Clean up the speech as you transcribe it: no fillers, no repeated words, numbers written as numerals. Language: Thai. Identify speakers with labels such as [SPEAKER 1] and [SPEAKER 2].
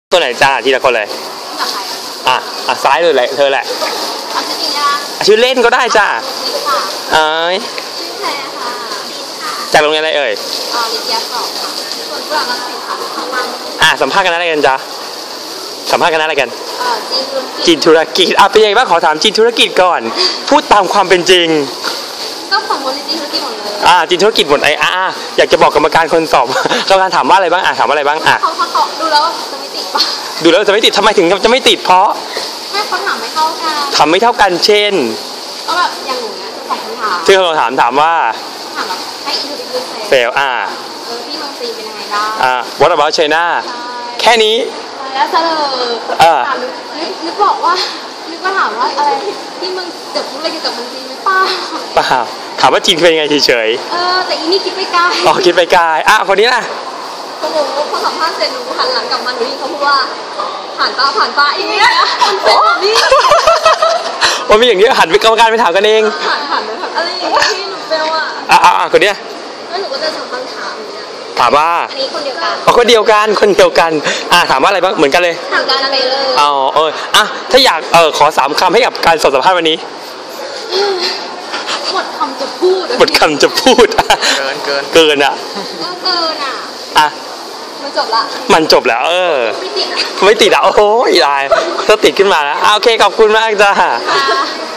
[SPEAKER 1] ตัวไหนจ้าทีละคนเลยซ้ายเลยแหละเธอแหละชื่อเล่นก็ได้จ้าเอ้ย
[SPEAKER 2] ชื่อแพรค่ะ
[SPEAKER 1] จากโรงเรียนอะไรเอ่ย
[SPEAKER 2] วิทยาศาสตร์ค่ะส่วนกุหลาบรังสิตค่ะ
[SPEAKER 1] สัมภาษณ์กันอะไรกันจ้าสัมภาษณ์กันอะไรกัน
[SPEAKER 2] จีนธุรกิจ
[SPEAKER 1] เป็นยังไงบ้างขอถามจีนธุรกิจก่อนพูดตามความเป็นจริง
[SPEAKER 2] ก็ของคนจีนธุรกิจหมดเลย
[SPEAKER 1] จีนธุรกิจหมดอยากจะบอกกรรมการคนสอบกรรมการถามว่าอะไรบ้างถามว่าอะไรบ้าง
[SPEAKER 2] เขาดูแล้วจะไม่ติดปะ
[SPEAKER 1] ดูแล้วจะไม่ติดทำไมถึงจะไม่ติดเพราะ
[SPEAKER 2] ให้เขาถามไม่เท่ากัน
[SPEAKER 1] ถามไม่เท่ากันเช่น
[SPEAKER 2] ก็แบบอย่างหนูเนี่ยสองคำถาม
[SPEAKER 1] ที่เราถามว่า
[SPEAKER 2] ถามแบบให้อินทูดิวเฟลพี่เมืองจีนเป็นยังไงบ้าง
[SPEAKER 1] What about China แค่นี้
[SPEAKER 2] แล้วเสลอนึกบอกว่านึกว่าถามว่าอะไรที่เมืองเกิดอะไรเกี่ยวกับเมืองจีนไหมป้า
[SPEAKER 1] ถามว่าจีนเป็นยังไงเฉย
[SPEAKER 2] แต่อีนี่คิดไปไกล
[SPEAKER 1] คิดไปไกลคนนี้ล่ะ
[SPEAKER 2] โอ้โหพอสัมภาษณ์เสร็จหนูหันหลังกลับมาหนูเขาพูดว่าผ่านป้าอย่างเงี้ยเป็นแบบนี้
[SPEAKER 1] ว่ามีอย่างนี้หันไปกรรมการไปถามกันเอง
[SPEAKER 2] หันไปถามอะไรอย่างเงี้ยที่หนูเบล
[SPEAKER 1] คนนี้
[SPEAKER 2] แล้วหนูก็จะถามคำถาม
[SPEAKER 1] ถามว่า
[SPEAKER 2] อันนี้คนเดียวกัน
[SPEAKER 1] คนเดียวกันถามว่าอะไรบ้างเหมือนกันเลย
[SPEAKER 2] ถามการอะไร
[SPEAKER 1] เลยถ้าอยากขอ3 คำให้กับการสอบสัมภาษณ์วันนี้
[SPEAKER 2] หมดคำจะพูด
[SPEAKER 1] เกิน
[SPEAKER 2] ก็เกิน
[SPEAKER 1] มันจบแล้วไม่ติดโอ้ยได้ถ้าติดขึ้นมาแล้วโอเคขอบคุณมากจ้า